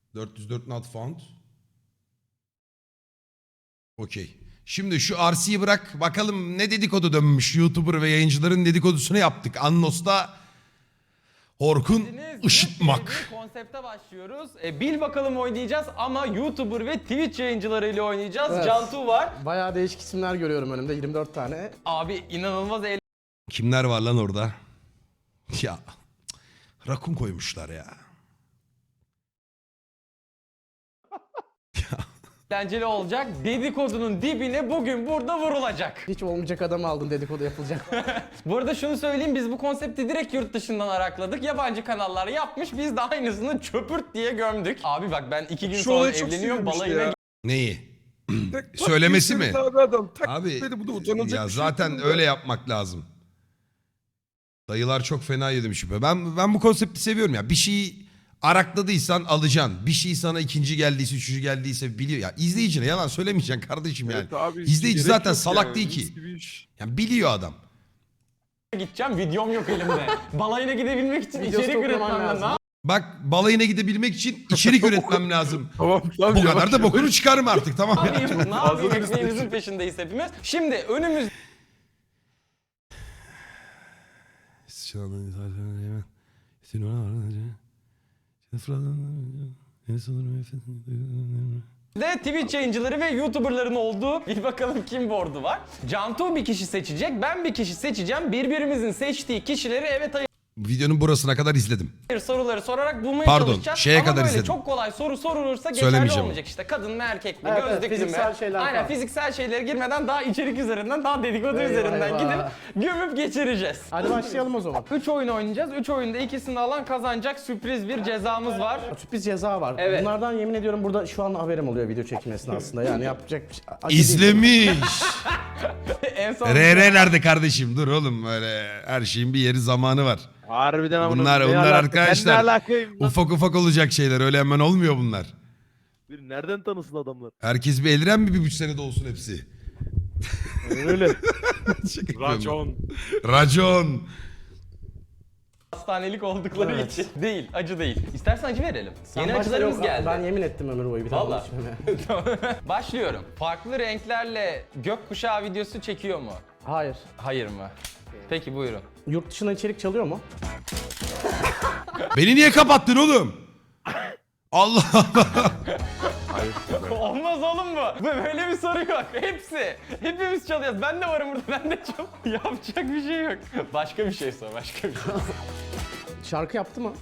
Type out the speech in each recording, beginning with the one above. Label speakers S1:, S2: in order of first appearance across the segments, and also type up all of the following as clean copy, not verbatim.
S1: 404 not found. Okey. Şimdi şu RC'yi bırak. Bakalım ne dedikodu dönmüş. YouTuber ve yayıncıların dedikodusunu yaptık. Annos'ta Orkun ışıtmak.
S2: Bir konsepte başlıyoruz. Bil bakalım oynayacağız ama YouTuber ve Twitch yayıncılarıyla oynayacağız.
S3: Evet.
S2: Cantu var.
S3: Bayağı değişik isimler görüyorum önümde, 24 tane.
S2: Abi inanılmaz
S1: Kimler var lan orada? Ya rakun koymuşlar ya.
S2: eğlenceli olacak. Dedikodunun dibine bugün burada vurulacak.
S3: Hiç olmayacak adamı aldın, dedikodu yapılacak.
S2: Bu arada şunu söyleyeyim, biz bu konsepti direkt yurt dışından arakladık. Yabancı kanallar yapmış, biz de aynısını çöpürt diye gömdük. Abi bak ben 2 gün
S4: Şu
S2: sonra
S4: olay çok
S2: evleniyorum,
S4: sinirmiş
S2: balayına
S4: ya.
S1: Neyi?
S4: Tak,
S1: Söylemesi mi?
S4: Abi adam tak
S1: Abi
S4: dedi, bu da utanılacak
S1: ya
S4: bir şey
S1: zaten
S4: değil
S1: öyle yapmak lazım. Dayılar çok fena yedim şüphe. Ben bu konsepti seviyorum ya. Bir şeyi arakladıysan alacaksın. Bir şey sana ikinci geldiyse, üçüncü geldiyse biliyor. Ya izleyicine yalan söylemeyeceksin kardeşim yani.
S4: Evet abi,
S1: İzleyici
S4: gerek
S1: zaten
S4: yok
S1: salak
S4: yani,
S1: değil
S4: mis
S1: ki.
S4: gibi iş.
S1: Yani biliyor adam.
S2: gideceğim, videom yok elimde. Balayına gidebilmek için
S3: Videosu
S2: içerik
S3: toplaman
S2: üretmem
S3: lazım.
S2: lazım.
S1: Bak balayına gidebilmek için içerik üretmem lazım.
S4: Tamam tamam.
S1: Bu
S4: yavaş
S1: kadar da
S4: yavaş.
S1: bokunu çıkarma artık tamam
S2: Ne
S1: ya.
S2: yapayım? Ne
S4: Fazla
S2: yapayım?
S4: da
S2: Ekmeğimizin peşindeyiz hepimiz. Şimdi önümüzde Twitch yayıncıları ve YouTuber'ların olduğu bir bakalım kim board'u var. Cantu bir kişi seçecek, ben bir kişi seçeceğim. Birbirimizin seçtiği kişileri evet
S1: Videonun burasına kadar izledim.
S2: hayır soruları sorarak bulmaya
S1: Pardon,
S2: çalışacağız.
S1: şeye
S2: Ama
S1: kadar
S2: böyle
S1: izledim.
S2: çok kolay soru sorulursa geçerli
S1: Söylemeyeceğim.
S2: olmayacak işte. Kadın mı erkek mi,
S3: Evet, evet,
S2: gözlüklü mü?
S3: fiziksel şeyler
S2: Aynen
S3: falan.
S2: fiziksel şeylere girmeden daha içerik üzerinden, daha dedikodu
S3: Eyvah,
S2: üzerinden
S3: eyvah.
S2: gidip gömüp geçireceğiz.
S3: Hadi başlayalım o zaman.
S2: 3 oyun oynayacağız. 3 oyunda ikisini alan kazanacak, sürpriz bir cezamız var.
S3: Sürpriz ceza var.
S2: Evet.
S3: Bunlardan yemin ediyorum burada şu an haberim oluyor video çekim esnasında. Yani yapacak bir şey. acı değil.
S1: İzlemiş.
S2: En son
S1: RR nerede kardeşim? Dur oğlum böyle her şeyin bir yeri zamanı var.
S4: Harbiden amına
S1: Bunlar
S4: koyayım, ne
S1: onlar
S4: alaka?
S1: arkadaşlar.
S4: Ben ne alakayım lan?
S1: Ufak ufak olacak şeyler öyle hemen olmuyor bunlar.
S4: Bir nereden tanısın adamlar?
S1: Herkes bir eliren mi bir 3 senede olsun hepsi?
S4: Öyle.
S1: Şaka yapıyorum.
S4: Racon.
S1: Racon.
S2: hastanelik oldukları
S3: Evet.
S2: için. Değil, acı değil. İstersen acı verelim.
S3: Sen
S2: Yeni
S3: başla,
S2: acılarımız
S3: yok,
S2: geldi.
S3: Ben yemin ettim ömür boyu bir daha
S2: Vallahi.
S3: bunu içmeme.
S2: Tamam. Başlıyorum. Farklı renklerle gökkuşağı videosu çekiyor mu?
S3: Hayır.
S2: Hayır mı? Peki buyurun.
S3: Yurt dışına içerik çalıyor mu?
S1: Beni niye kapattın oğlum? Allah Allah.
S2: Olmaz oğlum bu. Böyle bir soru yok. Hepsi. Hepimiz çalıyoruz. Ben de varım burada. Ben de çok. Yapacak bir şey yok. Başka bir şey sor. Başka bir şey.
S3: Şarkı yaptı mı?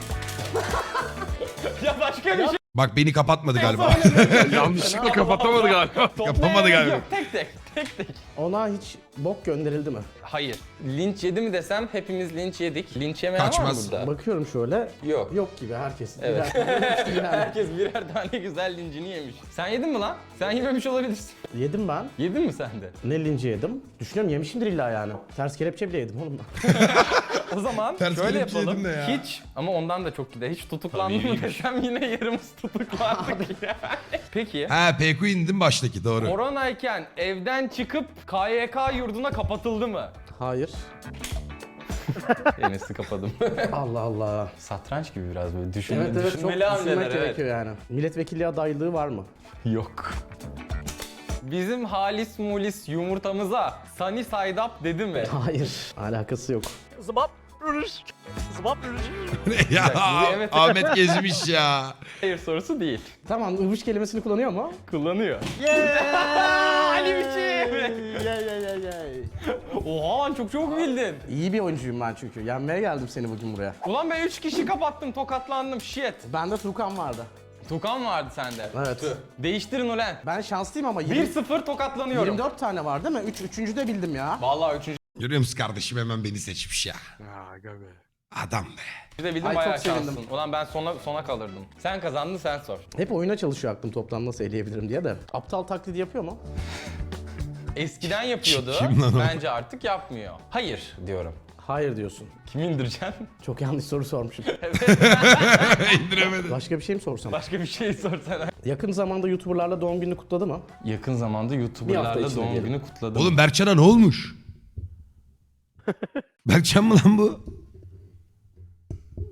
S2: Ya başka bir şey.
S1: Bak beni kapatmadı galiba.
S4: Yanlışlıkla kapatamadı galiba.
S1: Yapamadı galiba.
S2: Yok. Tek tek. Tek tek.
S3: Ona hiç bok gönderildi mi?
S2: Hayır. Linç yedi mi desem hepimiz linç yedik. Linç yemeyen
S1: Kaçmaz.
S2: var mı burada?
S3: Bakıyorum şöyle.
S2: Yok.
S3: Yok gibi herkes.
S2: Evet.
S3: Birer- birer-
S2: Herkes birer tane güzel lincini yemiş. Sen yedin mi lan? Sen yememiş olabilirsin.
S3: Yedim ben.
S2: Yedin mi sen de?
S3: Ne linci yedim? Düşünüyorum yemişimdir illa yani. Ters kelepçe bile yedim oğlum.
S2: O zaman
S1: Ters
S2: şöyle
S1: kelepçe
S2: yapalım.
S1: yedin de ya.
S2: Hiç ama ondan da çok gider. Hiç tutuklandı mı desem yine yarımız tutuklandık yani. Peki.
S1: Ha PQ indim baştaki doğru.
S2: Koronayken evden çıkıp KYK yurduna kapatıldı mı?
S3: Hayır.
S2: Enes'i kapadım.
S3: Allah Allah.
S2: Satranç gibi biraz böyle
S3: Evet
S2: düşünmeli
S3: evet çok
S2: düşünmeli hamleler
S3: düşünmek
S2: evet.
S3: gerekiyor yani. Milletvekilliği adaylığı var mı?
S2: Yok. Bizim halis mulis yumurtamıza Sunny Side Up dedi mi?
S3: Hayır. Alakası yok.
S4: Zıbap. Rürüş. Zıbap rürüş.
S1: Ya
S2: Evet.
S1: Ahmet gezmiş ya.
S2: Hayır sorusu değil.
S3: Tamam ıvış kelimesini kullanıyor mu?
S2: Kullanıyor. Ali biçim. Oha lan çok çok bildin.
S3: İyi bir oyuncuyum ben çünkü. Yenmeye geldim seni bugün buraya.
S2: Ulan ben 3 kişi kapattım, tokatlandım. Shit.
S3: Bende Tukan vardı.
S2: Tukan vardı sende.
S3: Evet.
S2: Tüh. Değiştirin ulan.
S3: Ben şanslıyım ama
S2: 1-0 tokatlanıyorum.
S3: 24 tane var değil mi? Üçüncü de bildim ya.
S2: Vallahi 3.
S1: Görüyor musun kardeşim hemen beni seçmiş ya.
S4: Aga be.
S1: Adam be.
S2: de bildim
S3: Ay,
S2: bayağı
S3: çok sevindim.
S2: şanslısın. Ulan ben sona kalırdım. Sen kazandın sen sor.
S3: Hep oyuna çalışıyor aklım toplam nasıl eleyebilirim diye de. Aptal taklidi yapıyor mu?
S2: Eskiden yapıyordu.
S1: Kim lan o?
S2: Bence artık yapmıyor. Hayır diyorum.
S3: Hayır diyorsun.
S2: Kim indireceksin?
S3: Çok yanlış soru sormuşum.
S1: İndiremedim.
S3: Başka bir şey mi sorsam?
S2: Başka bir şey sorsana.
S3: Yakın zamanda YouTuber'larla doğum gününü kutladı mı?
S2: Yakın zamanda
S3: Bir hafta
S2: YouTuber'larla
S3: içinde
S2: doğum
S3: diyelim.
S2: günü kutladım.
S1: Oğlum Berkcan'a ne olmuş? Berkcan mı lan bu?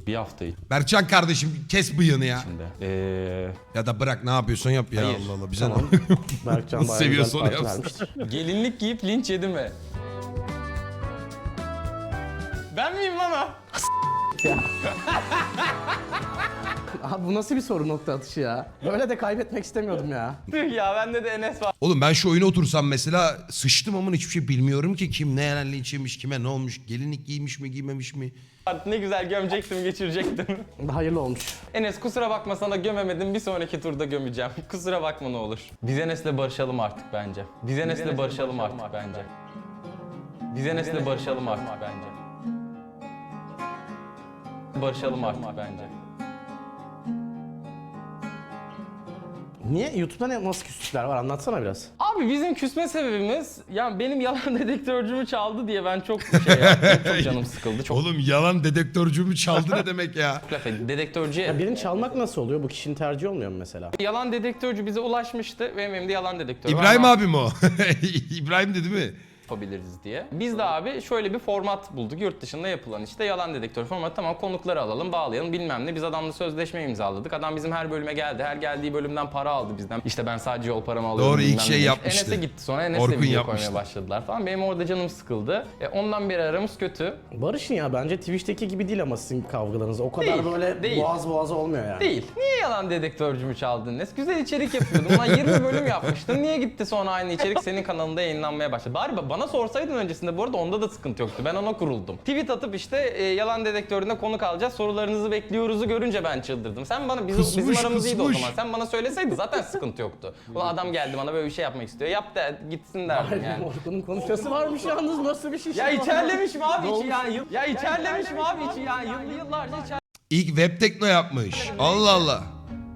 S2: Bir hafta
S1: Berkcan kardeşim kes bıyığını ya.
S2: içinde.
S1: Ya da bırak ne yapıyorsan yap ya
S2: Hayır.
S1: Allah Allah bize
S3: Tamam.
S1: ne?
S3: Berkcan
S1: Nasıl
S3: bayağı
S1: seviyorsa
S3: güzel
S1: onu
S3: parti
S1: yapsın.
S3: vermiştir.
S2: Gelinlik giyip linç yedi mi? Ben miyim lan o?
S3: Abi bu nasıl bir soru nokta atışı ya? Böyle de kaybetmek istemiyordum ya.
S2: Tüh ya bende de Enes var.
S1: Oğlum ben şu oyuna otursam mesela sıçtım ama hiçbir şey bilmiyorum ki kim ne yerden linç yemiş, kime ne olmuş, gelinlik giymiş mi giymemiş mi?
S2: Ne güzel gömecektim, geçirecektim.
S3: Hayırlı olmuş.
S2: Enes kusura bakma sana gömemedim, bir sonraki turda gömeceğim. Kusura bakma ne olur. Biz Enes'le barışalım artık bence. Biz Enes'le barışalım artık bence. Biz Enes'le barışalım artık bence. Barışalım artık bence.
S3: Niye? YouTube'da nasıl küslükler var? Anlatsana biraz.
S2: Abi bizim küsme sebebimiz, yani benim yalan dedektörcümü çaldı diye ben çok şey yaptım, çok canım sıkıldı. Çok
S1: Oğlum yalan dedektörcümü çaldı ne demek ya?
S2: laf ettim. Dedektörcüye...
S3: Ya birini çalmak nasıl oluyor? Bu kişinin tercihi olmuyor mu mesela?
S2: Yalan dedektörcü bize ulaşmıştı ve benim de yalan dedektörü var.
S1: İbrahim
S2: Ama
S1: abi mi o? İbrahim dedi mi?
S2: yapabiliriz diye. Biz de abi şöyle bir format bulduk. Yurt dışında yapılan işte yalan dedektör formatı. Tamam, konukları alalım, bağlayalım bilmem ne. Biz adamla sözleşme imzaladık. Adam bizim her bölüme geldi. Her geldiği bölümden para aldı bizden. İşte ben sadece yol paramı alıyorum.
S1: Doğru, ilk
S2: bilmem
S1: şey
S2: ne demiş.
S1: yapmıştı.
S2: Enes'e gitti sonra. Enes'le
S1: Orkun
S2: video
S1: yapmıştı.
S2: koymaya başladılar falan. Benim orada canım sıkıldı. Ondan beri aramız kötü.
S3: Barış'ın ya bence Twitch'teki gibi değil ama sizin kavgalarınız. O kadar
S2: Değil,
S3: böyle
S2: değil.
S3: boğaz boğaza olmuyor yani.
S2: Değil. Niye yalan dedektörcümü çaldın Enes? Güzel içerik yapıyordum. Ulan 20 bölüm yapmıştın. Niye gitti sonra aynı içerik senin kanalında yayınlanmaya başladı? Bari bana sorsaydın öncesinde, bu arada onda da sıkıntı yoktu. Ben ona kuruldum. Tweet atıp işte yalan dedektöründe konuk alacağız, sorularınızı bekliyoruzu görünce ben çıldırdım. Sen bana bizim aramız iyiydi o zaman. Sen bana söyleseydin zaten sıkıntı yoktu. Ulan adam geldi bana böyle bir şey yapmak istiyor. Yap da gitsin derdim yani.
S3: Orkun'un konuşması varmış yalnız, nasıl bir şey?
S2: Ya içerlemişim abi
S3: Ne
S2: içi
S3: olmuş?
S2: yani. Ya içerlemişim abi içi yani. Yıllarca içer.
S1: İlk web tekno yapmış. Allah Allah.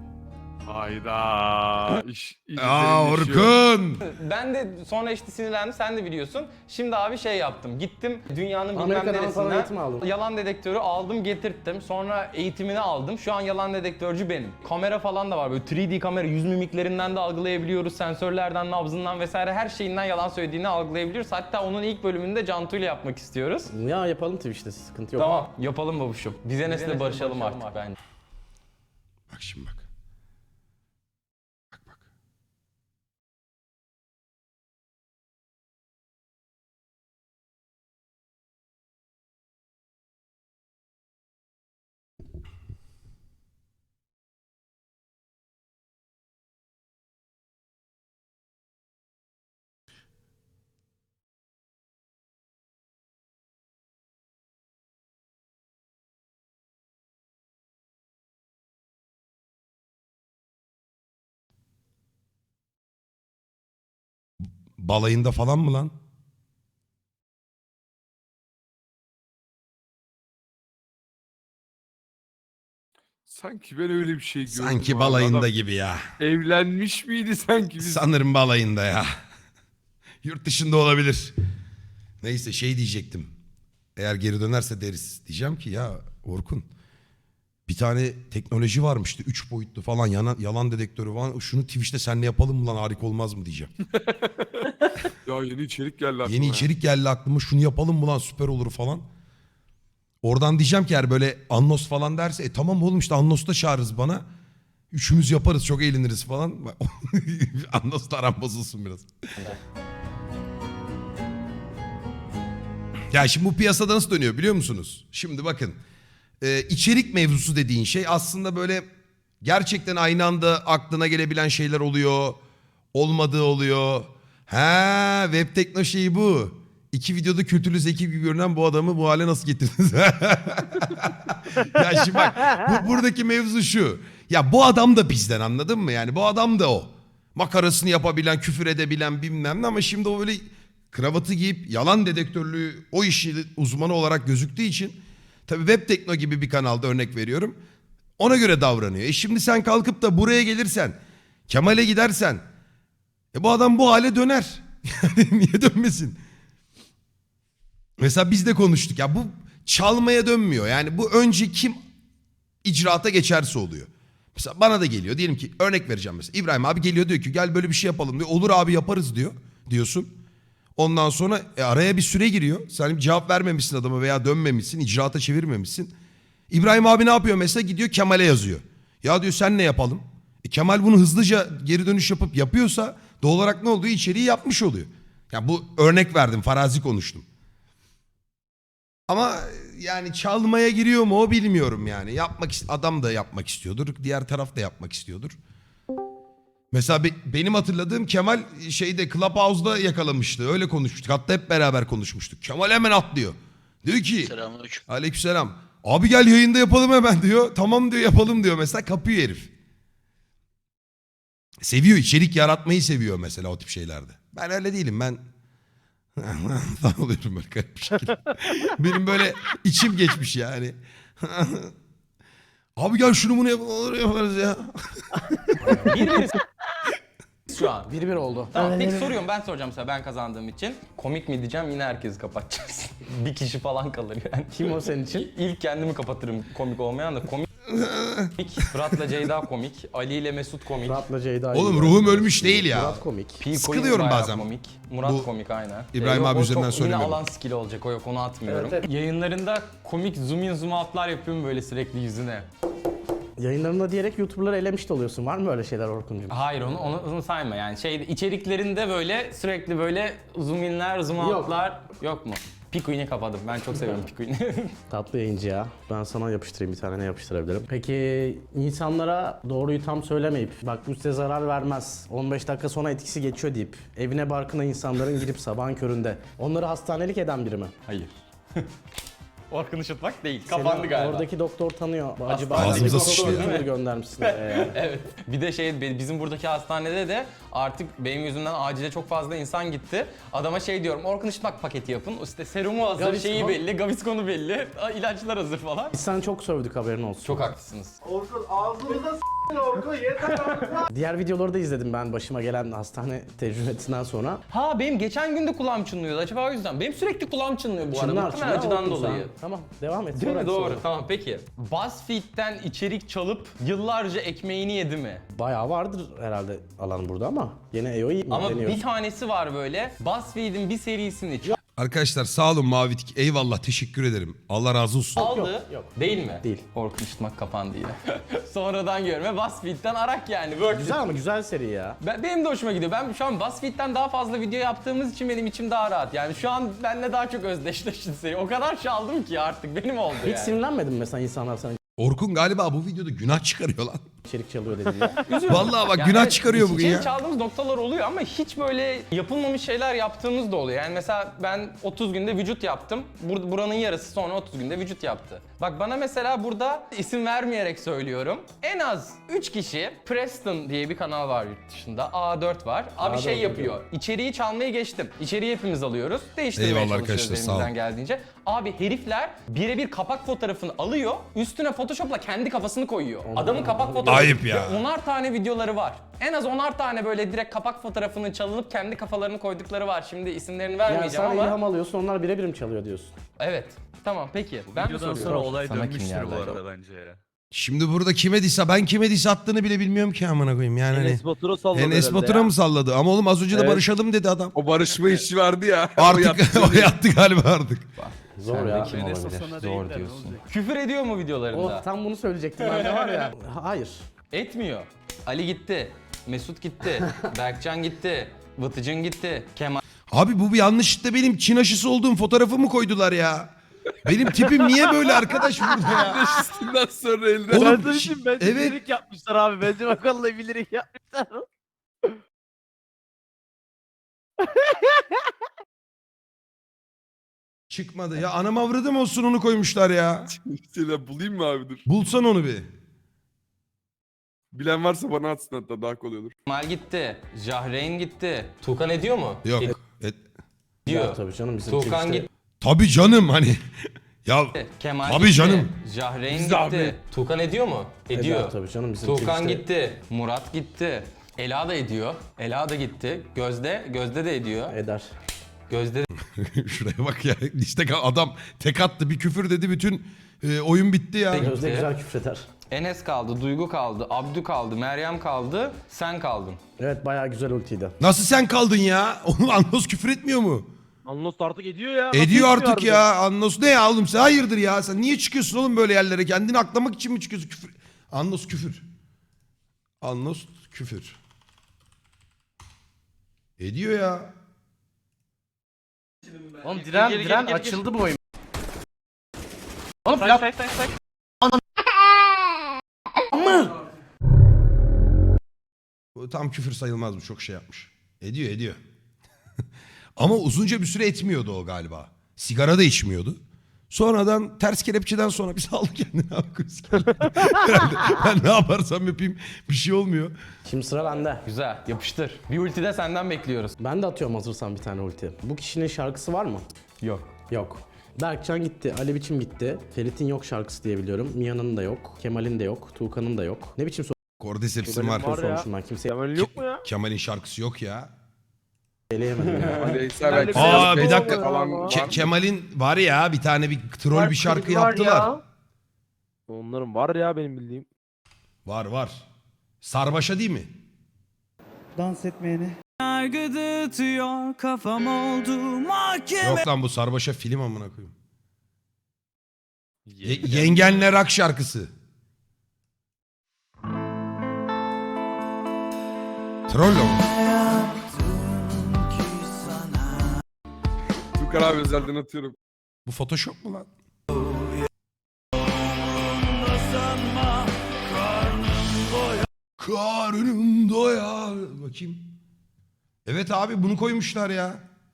S4: Hayda.
S1: Aa Orkun.
S2: Ben de sonra işte sinirlendim, sen de biliyorsun. Şimdi abi şey yaptım, gittim dünyanın bilmem
S3: Amerika'dan falan eğitim
S2: neresinden
S3: aldın.
S2: yalan dedektörü aldım getirttim. Sonra eğitimini aldım. Şu an yalan dedektörcü benim. Kamera falan da var, böyle 3D kamera, yüz mimiklerinden de algılayabiliyoruz. Sensörlerden, nabzından vesaire her şeyinden yalan söylediğini algılayabiliyoruz. Hatta onun ilk bölümünde Cantu ile yapmak istiyoruz.
S3: Ya yapalım Twitch'te, sıkıntı yok.
S2: Tamam, yapalım babuşum. Biz Enes'le barışalım artık bence.
S1: Bak şimdi bak. Bak bak. Balayında falan mı lan?
S4: Sanki ben öyle bir şey gördüm.
S1: Sanki
S4: abi.
S1: balayında
S4: Adam
S1: gibi ya.
S4: evlenmiş miydi sanki? Biz...
S1: Sanırım balayında ya. Yurt dışında olabilir. Neyse şey diyecektim. Eğer geri dönerse deriz. Diyeceğim ki ya Orkun, bir tane teknoloji varmıştı. 3 boyutlu falan yalan dedektörü falan. Şunu Twitch'te seninle yapalım mı lan, harika olmaz mı diyeceğim.
S4: Ya yeni içerik geldi aklıma.
S1: Yeni
S4: ya.
S1: içerik geldi aklıma, şunu yapalım mı lan, süper olur falan. Oradan diyeceğim ki eğer böyle Annos falan derse tamam oğlum işte Annos'ta çağırırız bana. Üçümüz yaparız, çok eğleniriz falan. Annos'la aram bozulsun biraz. Ya şimdi bu piyasada nasıl dönüyor biliyor musunuz? Şimdi bakın. İçerik mevzusu dediğin şey aslında böyle gerçekten aynı anda aklına gelebilen şeyler oluyor. Olmadığı oluyor. Ha, web tekno şeyi bu. 2 videoda kültürlü zeki gibi görünen bu adamı bu hale nasıl getirdiniz? Ya şimdi bak buradaki mevzu şu. Ya bu adam da bizden, anladın mı? Yani bu adam da o. Makarasını yapabilen, küfür edebilen bilmem ne, ama şimdi o böyle kravatı giyip yalan dedektörlüğü o işi uzmanı olarak gözüktüğü için tabii web tekno gibi bir kanalda örnek veriyorum. Ona göre davranıyor. Şimdi sen kalkıp da buraya gelirsen, Kemal'e gidersen bu adam bu hale döner. Yani niye dönmesin? Mesela biz de konuştuk ya, bu çalmaya dönmüyor. Yani bu önce kim icraata geçerse oluyor. Mesela bana da geliyor, diyelim ki örnek vereceğim mesela. İbrahim abi geliyor diyor ki gel böyle bir şey yapalım diyor. Olur abi yaparız diyorsun. Ondan sonra araya bir süre giriyor. Sen cevap vermemişsin adama veya dönmemişsin, icraata çevirmemişsin. İbrahim abi ne yapıyor mesela? Gidiyor Kemal'e yazıyor. Ya diyor sen ne yapalım? Kemal bunu hızlıca geri dönüş yapıp yapıyorsa doğal olarak ne oluyor? İçeriği yapmış oluyor. Ya bu örnek verdim, farazi konuştum. Ama yani çalmaya giriyor mu o bilmiyorum yani. Adam da yapmak istiyordur, diğer taraf da yapmak istiyordur. Mesela benim hatırladığım Kemal şeyde Clubhouse'da yakalamıştı. Öyle konuşmuştuk. Hatta hep beraber konuşmuştuk. Kemal hemen atlıyor. Diyor ki
S5: Selamünaleyküm.
S1: aleykümselam. Abi gel yayında yapalım hemen diyor. Tamam diyor, yapalım diyor mesela, kapıyor herif. Seviyor, içerik yaratmayı seviyor mesela o tip şeylerde. Ben öyle değilim, ben falan oluyorum böyle garip bir şekilde. Benim böyle içim geçmiş yani. Abi gel şunu bunu yaparız ya.
S2: Bir şu an.
S3: 1-1 oldu.
S2: Tamam peki soruyorum, ben soracağım size, ben kazandığım için. Komik mi diyeceğim, yine herkesi kapatacağız. Bir kişi falan kalır yani.
S3: Kim o senin için?
S2: İlk kendimi kapatırım, komik olmayan da komik. Fırat'la Ceyda komik, Ali ile Mesut komik.
S3: Murat'la Ceyda.
S1: Oğlum
S3: iyi.
S1: ruhum ölmüş değil ya.
S3: Murat komik.
S2: P. Coin
S1: Sıkılıyorum
S2: bayağı
S1: bazen.
S2: Komik. Murat
S1: Bu
S2: komik aynen.
S1: İbrahim
S2: Yok,
S1: abi
S2: o
S1: üzerinden
S2: çok
S1: söylemiyorum.
S2: Yine alan skill olacak, o yok, onu atmıyorum.
S3: Evet, evet.
S2: Yayınlarında komik zoom in zoom out'lar yapıyorum böyle sürekli yüzüne.
S3: Yayınlarında diyerek YouTuber'ları elemiş de oluyorsun. Var mı öyle şeyler Orkuncuğum?
S2: Hayır onu sayma yani, içeriklerinde böyle sürekli böyle zoom inler zoom
S3: Yok.
S2: out'lar yok mu? Pikuin'i kapadım. Ben çok seviyorum Pikuin'i.
S3: Tatlı yayıncı ya. Ben sana yapıştırayım, bir tane ne yapıştırabilirim. Peki insanlara doğruyu tam söylemeyip bak bu size zarar vermez, 15 dakika sonra etkisi geçiyor deyip evine barkına insanların girip sabahın köründe onları hastanelik eden biri mi?
S2: Hayır. Orkun Işıtmak değil.
S3: Seni
S2: Kapandı galiba.
S3: Oradaki doktor tanıyor. Acaba
S1: Ağzımıza
S3: doktor
S1: sıçtı ya.
S3: YouTuber göndermişsin. oraya.
S2: Evet. Bir de bizim buradaki hastanede de artık benim yüzümden acile çok fazla insan gitti. Adama şey diyorum, Orkun Işıtmak paketi yapın. İşte serumu hazır,
S3: Gaviscon.
S2: şeyi belli, Gaviscon'u belli, ilaçlar hazır falan.
S3: Biz sana çok sövdük, haberin olsun.
S2: Çok haklısınız.
S6: Orkun ağzımıza s**tin Orkun yeter artık.
S3: Diğer videoları da izledim ben başıma gelen hastane tecrübesinden sonra.
S2: Ha benim geçen gün de kulağım çınlıyordu, acaba o yüzden. Benim sürekli kulağım çınlıyor bu arada. Muhtemelen acıdan
S3: Orkun sen.
S2: dolayı.
S3: Tamam, devam et.
S2: Değil
S3: Sonra
S2: mi? Doğru.
S3: sonra.
S2: Tamam peki. BuzzFeed'den içerik çalıp yıllarca ekmeğini yedi mi?
S3: Bayağı vardır herhalde alan burada ama yine EO'yu
S2: Ama
S3: deniyor.
S2: bir tanesi var böyle. BuzzFeed'in bir serisini
S1: Arkadaşlar sağ olun Mavi Tik. Eyvallah, teşekkür ederim. Allah razı olsun.
S2: aldı.
S3: yok.
S2: Değil mi?
S3: Değil.
S2: Orkun Işıtmak kapandı yine. Sonradan görme BuzzFeed'den arak yani. Worth
S3: Güzel
S2: it.
S3: ama güzel seri ya.
S2: Benim de hoşuma gidiyor. Ben şu an BuzzFeed'den daha fazla video yaptığımız için benim içim daha rahat. Yani şu an benimle daha çok özdeşleşti seri. O kadar çaldım ki artık benim oldu
S3: Hiç
S2: yani.
S3: sinirlenmedin mi mesela insanlar sana
S1: Orkun galiba bu videoda günah çıkarıyor lan.
S3: içerik çalıyor dediğinde?
S1: Vallahi bak
S2: Yani
S1: günah
S2: evet,
S1: çıkarıyor bugün
S2: içeri
S1: ya.
S2: çaldığımız noktalar oluyor ama hiç böyle yapılmamış şeyler yaptığımız da oluyor. Yani mesela ben 30 günde vücut yaptım. Buranın yarısı sonra 30 günde vücut yaptı. Bak bana mesela burada isim vermeyerek söylüyorum. En az 3 kişi, Preston diye bir kanal var yurt dışında. A4 var. Abi
S3: A4
S2: şey yapıyor.
S3: biliyorum.
S2: İçeriği çalmayı geçtim. İçeriği hepimiz alıyoruz. Değiştirmeye
S1: Eyvallah
S2: çalışıyoruz
S1: arkadaşlar, sağ olun.
S2: elimizden geldiğince. Abi herifler birebir kapak fotoğrafını alıyor. Üstüne Photoshop'la kendi kafasını koyuyor. Adamın kapak fotoğrafı.
S1: Ayıp ya.
S2: Ve 10'ar tane videoları var. En az 10'ar tane böyle direkt kapak fotoğrafını çalınıp kendi kafalarını koydukları var. Şimdi isimlerini
S3: Yani
S2: vermeyeceğim
S3: sen
S2: ama.
S3: ilham alıyorsun, onlar birebir mi çalıyor diyorsun?
S2: Evet. Tamam peki. Ben mi
S7: Videodan
S2: soruyorum?
S7: sonra olay
S2: Sana kim
S7: dönmüştür
S2: geldi
S7: bu
S2: acaba?
S7: arada bence ya.
S1: Şimdi burada ben kime diss attığını bile bilmiyorum ki amına koyayım yani hani.
S7: Enes Batur'a salladı
S1: Enes
S7: herhalde
S1: Batur'a
S7: ya.
S1: mı salladı? Ama oğlum az önce de
S4: Evet.
S1: barışalım dedi adam.
S4: O barışma işi vardı ya.
S1: Artık o yattı galiba artık.
S3: Zor
S2: Sen de
S3: ya.
S2: kim
S7: Enes
S2: olabilir?
S7: Hasan'a
S2: Zor
S7: değil de ne
S2: diyorsun.
S7: olacak?
S2: Küfür ediyor mu videolarında?
S3: Oh, tam bunu söyleyecektim ben de var ya. Hayır.
S2: Etmiyor. Ali gitti. Mesut gitti. Berkcan gitti. Vıtıcın gitti. Kemal
S1: Abi bu bir yanlışlıkla benim Çin aşısı olduğum fotoğrafı mı koydular ya? Benim tipim niye böyle arkadaş burada ya?
S4: Üstünden sonra eline.
S1: Oğlum,
S7: Ben de şimdi bence
S1: evet.
S7: bilerek yapmışlar abi. Bence bakalım bilerek yapmışlar.
S1: Çıkmadı ya, anam avradım olsun onu koymuşlar ya.
S4: Şeyler bulayım mı abi dur.
S1: Bulsan onu bir.
S4: Bilen varsa bana atsın, hatta daha kolay olur.
S2: gitti. Jahreyn gitti. Tuğkan ediyor mu?
S1: Yok.
S2: Ediyor.
S3: Ya, tabii canım bizim
S2: Tuğkan
S3: Twitch'te-
S2: gitti.
S1: Tabii canım hani. Ya
S2: Kemal
S1: Tabii
S2: gitti.
S1: canım.
S2: Jahreyn
S4: Biz
S2: gitti.
S4: de abi.
S2: Tuğkan ediyor mu? Ediyor.
S3: Eder tabii canım bizim
S2: Tuğkan
S3: Twitch'te-
S2: gitti. Murat gitti. Ela da ediyor. Ela da gitti. Gözde de ediyor.
S3: Eder.
S2: Gözde
S1: şuraya bak ya. İşte adam tek attı, bir küfür dedi, bütün oyun bitti ya.
S2: Peki.
S3: Gözde güzel küfreder.
S2: Enes kaldı, Duygu kaldı, Abdü kaldı, Meryem kaldı, sen kaldın.
S3: Evet, bayağı güzel ultiydi.
S1: Nasıl sen kaldın ya? Oğlum Anlos küfür etmiyor mu?
S7: Anlos artık ediyor ya. Nasıl
S1: Ediyor
S7: etmiyor
S1: artık ya. Annos ne ya oğlum sen hayırdır ya? Sen niye çıkıyorsun oğlum böyle yerlere? Kendini aklamak için mi çıkıyorsun? Küfür. Annos küfür. Annos küfür. Ediyor ya.
S3: Oğlum diren açıldı bu oyun. Oğlum
S1: Bu tam küfür sayılmaz bu çok şey yapmış. Ediyor. Ama uzunca bir süre etmiyordu o galiba. Sigara da içmiyordu. Sonradan ters kelepçeden sonra bir saldı kendini abi. Herhalde ben ne yaparsam yapayım bir şey olmuyor.
S3: Şimdi sıra bende.
S2: Güzel, yapıştır. Bir ulti de senden bekliyoruz.
S3: Ben de atıyorum hazırsan bir tane ulti. Bu kişinin şarkısı var mı?
S2: Yok.
S3: Yok. Berkcan gitti, Ali Biçim gitti. Ferit'in yok şarkısı diye biliyorum. Mia'nın da yok, Kemal'in de yok, Tuğkan'ın da yok. Ne biçim
S1: Cordyceps'in var.
S7: Var ya.
S3: sormuşum ben kimseye
S7: Kemal yok mu ya?
S1: Kemal'in şarkısı yok ya.
S3: eleyemedim ya.
S4: Aleyhisselam belki
S1: Aa,
S4: biraz
S1: bir dakika.
S4: Facebook falan var.
S1: Kemal'in var ya bir tane bir troll bir şarkı yaptılar.
S7: Onların var ya benim bildiğim.
S1: Var. Sarbaşa değil mi?
S5: Dans etmeyeni.
S8: Yargı tutuyor kafam oldu mahkeme.
S1: Yok lan bu Sarbaşa film amına koyayım. Yengenle Rak şarkısı. Troll mu?
S4: Tukan abi özelden atıyorum.
S1: Bu Photoshop mu lan? Karnım doyar. Bakayım. Evet abi bunu koymuşlar ya.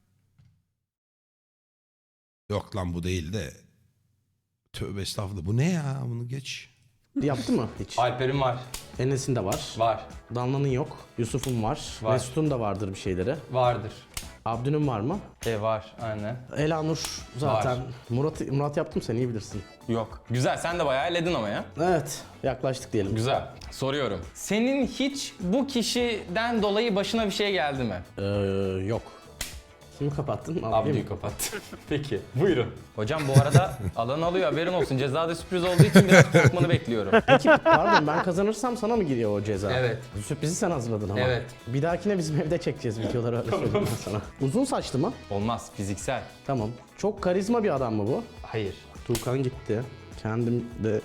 S1: Yok lan bu değil de. Tövbe estağfurullah. Bu ne ya? Bunu geç.
S3: Yaptı mı hiç?
S2: Alper'in var.
S3: Enes'in de var.
S2: Var.
S3: Danla'nın yok. Yusuf'un var.
S2: Var.
S3: Mesut'un da vardır bir şeyleri.
S2: Vardır.
S3: Abdü'nün var mı?
S2: Var, aynen.
S3: Elanur zaten.
S2: Var.
S3: Murat yaptım sen iyi bilirsin.
S2: Yok. Güzel, sen de bayağı elledin ama ya.
S3: Evet yaklaştık diyelim.
S2: Güzel. Soruyorum. Senin hiç bu kişiden dolayı başına bir şey geldi mi?
S3: Yok. Kimi kapattın?
S2: Abdü'yü kapat. Peki, buyurun. Hocam bu arada alan alıyor, haberin olsun. Cezada sürpriz olduğu için biraz korkmanı bekliyorum.
S3: Peki pardon ben kazanırsam sana mı giriyor o ceza?
S2: Evet.
S3: Sürprizi sen hazırladın ama.
S2: Evet.
S3: Bir dahakine bizim evde çekeceğiz videoları öyle söyleyeyim ben sana. Uzun saçlı mı?
S2: Olmaz, fiziksel.
S3: Tamam. Çok karizma bir adam mı bu?
S2: Hayır.
S3: Tuğkan gitti. Kendim de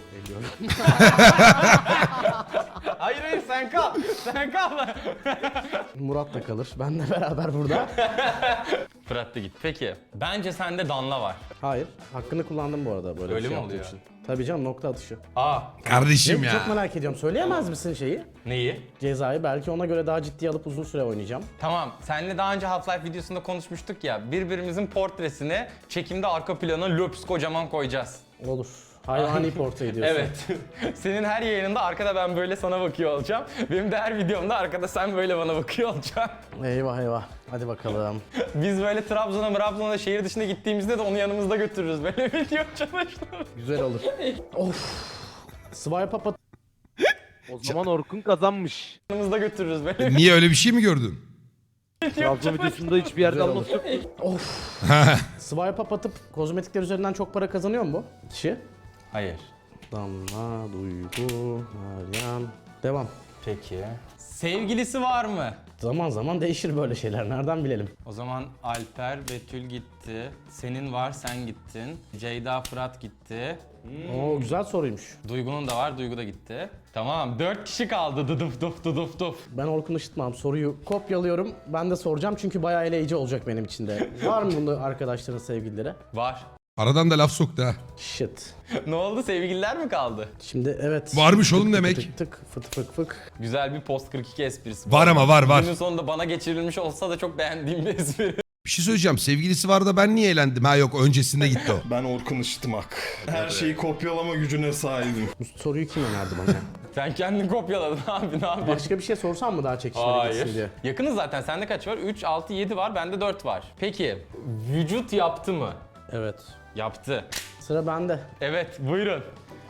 S2: Hayır, sen kal. Sen kal.
S3: Murat da kalır. Benle beraber burada.
S2: Fırat da git. Peki, bence sende Danla var.
S3: Hayır. Hakkını kullandım bu arada böyle
S2: Öyle
S3: bir şey
S2: mi
S3: yaptığım
S2: oluyor?
S3: için. Tabii canım nokta atışı.
S1: Kardeşim
S3: Ne,
S1: ya.
S3: çok merak ediyorum. Söyleyemez misin şeyi?
S2: Neyi?
S3: Cezayı belki ona göre daha ciddiye alıp uzun süre oynayacağım.
S2: Tamam, seninle daha önce Half-Life videosunda konuşmuştuk ya. Birbirimizin portresini çekimde arka plana löps kocaman koyacağız.
S3: Olur. Hayvani portre ediyorsun.
S2: Evet. Senin her yayınında arkada ben böyle sana bakıyor olacağım. Benim de her videomda arkada sen böyle bana bakıyor olacaksın.
S3: Eyvah eyvah. Hadi bakalım.
S2: Biz böyle Trabzon'a şehir dışına gittiğimizde de onu yanımızda götürürüz. Böyle video çalıştım.
S3: Güzel olur. Of. Swipe up
S7: O zaman Orkun kazanmış.
S2: Yanımızda götürürüz böyle
S1: Niye öyle bir şey mi gördün?
S7: Trabzon videosunda hiçbir yerde
S3: Güzel
S7: Anlos yok.
S3: Of. Swipe up atıp kozmetikler üzerinden çok para kazanıyor mu bu kişi?
S2: Hayır.
S3: Damla, Duygu, Meryem. Devam.
S2: Peki. Sevgilisi var mı?
S3: Zaman zaman değişir böyle şeyler. Nereden bilelim?
S2: O zaman Alper, Betül gitti. Senin var, sen gittin. Ceyda, Fırat gitti.
S3: Oo güzel soruymuş.
S2: Duygu'nun da var, Duygu da gitti. Tamam, 4 kişi kaldı. Dıdıf duf dıdıf duf.
S3: Ben Orkun Işıtmam. Soruyu kopyalıyorum. Ben de soracağım çünkü bayağı eleyici olacak benim için de. Var mı bunu arkadaşların sevgilileri?
S2: Var.
S1: Aradan da laf soktu ha.
S3: Shit.
S2: Ne oldu? Sevgililer mi kaldı?
S3: Şimdi evet.
S1: Varmış oğlum
S3: Tık tık
S1: demek.
S3: Tık tık fıt fık fık.
S2: Güzel bir post 42 esprisi.
S1: Var ama var.
S2: Günün sonunda bana geçirilmiş olsa da çok beğendiğim bir espri.
S1: Bir şey söyleyeceğim. Sevgilisi var da ben niye eğlendim? Ha yok öncesinde gitti o.
S9: Ben Orkun Işıtmak. Her şeyi kopyalama gücüne sahibim.
S3: Bu soruyu kim önerdi bana?
S2: Sen kendini kopyaladın abi, ne yapıyorsun?
S3: Başka bir şey sorsam mı daha çekişmeli gitsin diye?
S2: Hayır. Yakınız zaten. Sende kaç var? 3, 6, 7 var. Bende 4 var. Peki, vücut yaptı mı?
S3: Evet.
S2: Yaptı.
S3: Sıra bende.
S2: Evet, buyurun.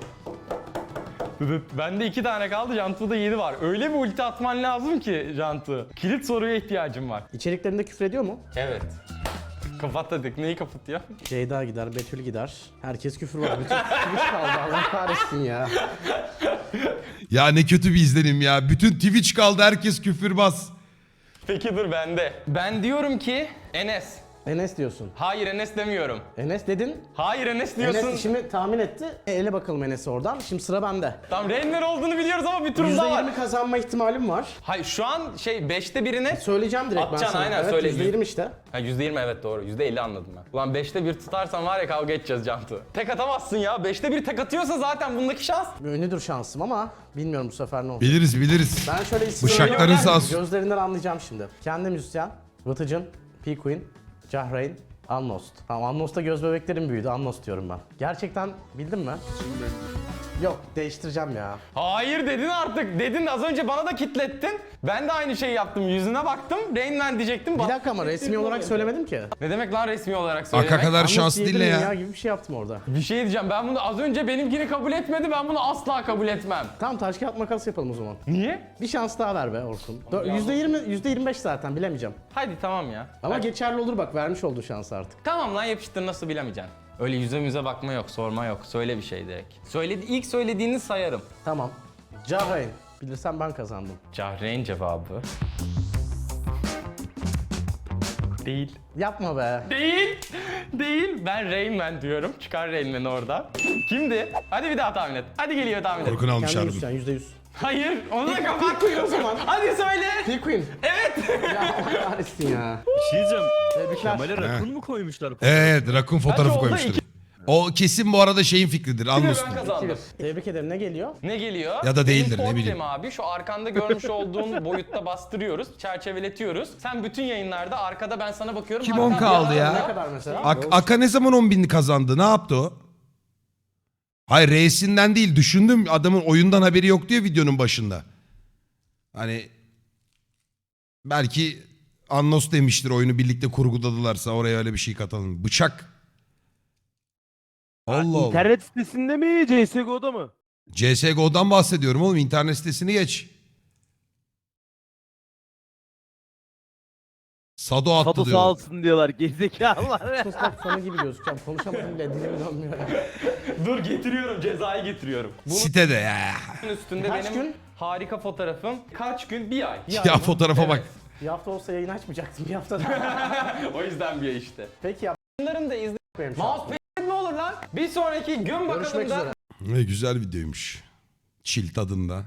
S2: Bende 2 tane kaldı, Cantu'da 7 var. Öyle bir ulti atman lazım ki Cantu. Kilit soruya ihtiyacım var.
S3: İçeriklerinde küfür ediyor mu?
S2: Evet. Kapat dedik. Neyi kapatıyor?
S3: Ceyda gider, Betül gider. Herkes küfür var. Bütün Twitch kaldı. Allah kahretsin ya.
S1: Ya ne kötü bir izlenim ya. Bütün Twitch kaldı herkes küfürbaz.
S2: Peki dur bende. Ben diyorum ki Enes.
S3: Enes diyorsun.
S2: Hayır Enes demiyorum.
S3: Enes dedin.
S2: Hayır Enes diyorsun.
S3: Enes şimdi tahmin etti. Ele bakalım Enes'i oradan. Şimdi sıra bende.
S2: Tamam Reynler olduğunu biliyoruz ama bir tur daha var.
S3: %20 kazanma ihtimalim var.
S2: Hayır şu an 5'te birine...
S3: Söyleyeceğim direkt ben
S2: Atacaksın,
S3: sana.
S2: aynen,
S3: Evet,
S2: söyle.
S3: %20 işte.
S2: Ha %20 evet doğru. %50 anladım ben. Ulan 5'te 1 tutarsan var ya kavga edeceğiz Cantu. Tek atamazsın ya. 5'te 1 tek atıyorsa zaten bundaki şans.
S3: Ünlüdür şansım ama bilmiyorum bu sefer ne olacak.
S1: Biliriz.
S3: Ben şöyle isim
S1: Bıçakların
S3: söylüyorum.
S1: sağ olsun.
S3: Gözlerinden anlayacağım şimdi. Kendi müzisyen, Vıtıcın, P-Queen, Cahreyn, Amnost. Tamam Amnost'ta göz bebeklerim büyüdü. Amnost diyorum ben. Gerçekten bildin mi? Yok değiştireceğim ya.
S2: Hayır dedin artık. Dedin az önce bana da kitlettin. Ben de aynı şeyi yaptım. Yüzüne baktım. Rain Man diyecektim.
S3: Bir dakika ama resmi olarak söylemedim ki.
S2: Ne demek lan resmi olarak söylemek?
S1: Aka kadar
S3: Amnost
S1: şanslı değil
S3: diyebilirim
S1: ya.
S3: gibi bir şey yaptım orada.
S2: Bir şey diyeceğim. Ben bunu az önce benimkini kabul etmedi. Ben bunu asla kabul etmem.
S3: Tamam taş kağıt makas yapalım o zaman.
S2: Niye?
S3: Bir şans daha ver be Orkun. %20, %25 zaten bilemeyeceğim.
S2: Hadi tamam ya.
S3: Ama
S2: Hadi.
S3: geçerli olur bak vermiş olduğu şansı artık.
S2: Tamam lan yapıştır nasıl bilemeyeceksin. Öyle yüze müze bakma yok, sorma yok. Söyle bir şey direkt. İlk söylediğini sayarım.
S3: Tamam. Cahreyn. Bilirsem ben kazandım.
S2: Cahreyn cevabı. Değil.
S3: Yapma be.
S2: Değil. Değil. Ben Rain Man diyorum. Çıkar Rain Man'i oradan. Kimdi? Hadi bir daha tahmin et. Hadi geliyor tahmin et.
S1: Orkun almış
S3: Kendi
S1: harbiden.
S3: müzisyen %100.
S2: Hayır. Onu da kapat.
S3: O zaman.
S2: Hadi söyle.
S3: P-Queen.
S2: Evet.
S3: Ya Allah kahretsin ya.
S10: Bir şey diyeceğim.
S3: Tebrikler.
S10: Kemal'e rakun mu koymuşlar?
S1: Evet rakun fotoğrafı
S2: oldu?
S1: koymuştur.
S2: İki-
S1: O kesin bu arada şeyin fikridir.
S2: Ben
S1: Anlıyorsun.
S2: kazandım.
S3: Tebrik ederim. Ne geliyor?
S2: Ne geliyor?
S1: Ya da değildir,
S2: Benim
S1: ne bileyim.
S2: portrem abi şu arkanda görmüş olduğun boyutta bastırıyoruz, çerçeveletiyoruz. Sen bütün yayınlarda arkada ben sana bakıyorum.
S1: Kim
S2: hatta
S1: 10 kaldı
S2: bir
S1: ya?
S2: anda-
S3: Ne kadar mesela?
S1: Aka ne zaman 10.000'ni kazandı? Ne yaptı o? Hayır R'sinden değil. Düşündüm adamın oyundan haberi yok diyor videonun başında. Hani belki Annos demiştir oyunu birlikte kurguladılarsa oraya öyle bir şey katalım. Bıçak. Allah Allah.
S7: İnternet sitesinde mi CSGO'da mı?
S1: CSGO'dan bahsediyorum oğlum. İnternet sitesini geç. Sado attı
S7: Sado
S1: diyor.
S7: sağ olsun diyorlar gerizekalılar.
S3: Sus bak sonu gibi gözükeceğim. Konuşamadım bile dilim dönmüyor ya.
S2: Dur getiriyorum, cezayı getiriyorum. Bunun
S1: Sitede ya.
S2: üstünde
S3: Kaç
S2: benim
S3: gün?
S2: harika fotoğrafım. Kaç gün? Bir ay.
S1: Ya fotoğrafa bak.
S3: Bir hafta olsa yayın açmayacaktım. Bir hafta daha.
S2: O yüzden bir ay işte.
S3: Peki ya.
S2: Bunların da izle.
S3: Benim şu an.
S2: Mousepad mi olur lan? Bir sonraki gün bakalım
S3: Görüşmek
S2: da.
S3: üzere.
S1: Ne güzel videoymuş. Chill tadında.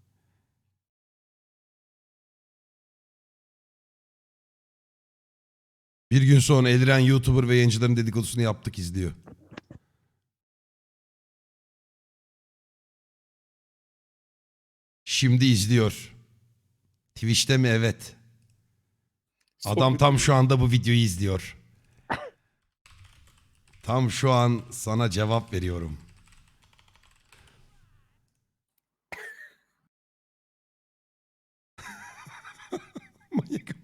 S1: Bir gün sonra Eliren YouTuber ve yayıncıların dedikodusunu yaptık izliyor. Şimdi izliyor. Twitch'te mi? Evet. Adam tam şu anda bu videoyu izliyor. Tam şu an sana cevap veriyorum. Manyak.